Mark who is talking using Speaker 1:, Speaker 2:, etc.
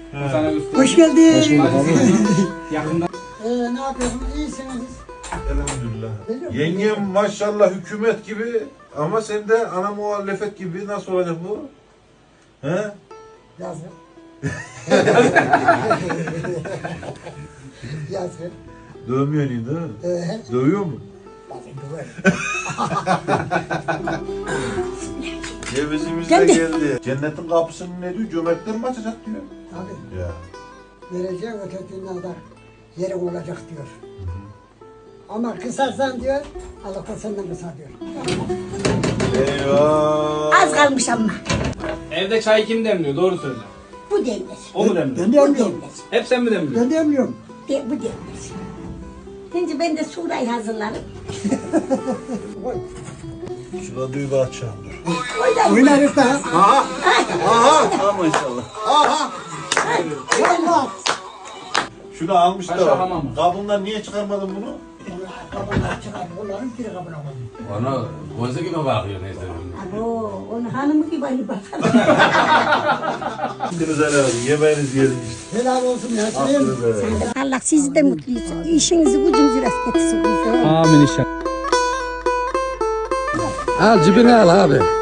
Speaker 1: Hoş geldin.
Speaker 2: Hoş bulduk abi.
Speaker 3: Yakında.
Speaker 1: Ne yapıyorsun? İyisiniz.
Speaker 4: Elhamdülillah. Yengem maşallah hükümet gibi ama sen de ana muhalefet gibi. Nasıl olacak bu? He?
Speaker 1: Yazgın. Yazgın.
Speaker 4: Dövmüyor değil mi? Dövüyor mu?
Speaker 1: Bazen döverim.
Speaker 4: Cevizimiz de geldi. Cennetin kapısını ne diyor? Cömertler mi açacak diyor.
Speaker 1: Tabii.
Speaker 4: Ya.
Speaker 1: Vereceğim öteki dünyada yerin olacak diyor. Ama kısarsan diyor, Allah da senden kısar diyor.
Speaker 4: Eyvah.
Speaker 5: Az kalmış ama.
Speaker 3: Evde çay kim demliyor? Doğru söyle.
Speaker 5: Bu demir.
Speaker 3: O mu demliyor?
Speaker 1: Ben de
Speaker 5: Bu
Speaker 1: emmiyorum.
Speaker 5: demir.
Speaker 3: Hep sen mi demliyorsun?
Speaker 1: Ben de emmiyorum.
Speaker 5: Bu demir. Şimdi ben de surayı hazırlarım.
Speaker 4: Şurada düğü açacağım dur.
Speaker 1: Oynarız da.
Speaker 4: Aha. Maşallah.
Speaker 1: Olmaz.
Speaker 4: Şunu almış
Speaker 3: Paşa
Speaker 4: da
Speaker 3: hamam mı?
Speaker 4: kabından niye çıkarmadın bunu?
Speaker 1: Kabına çıkar. Onların biri kabına koyuyor.
Speaker 6: Ona gözü gibi bakıyor neyse.
Speaker 5: Abo, onun hanımı gibi hani bakar.
Speaker 4: Hakkınızı helal edin. Yemeğiniz geldi işte.
Speaker 1: Helal olsun ya.
Speaker 4: Hakkınızı helal edin.
Speaker 5: Allah sizi de mutlu etsin. İşinizi gücünüzü rast etsin.
Speaker 3: Amin inşallah.
Speaker 2: Al cebine al abi.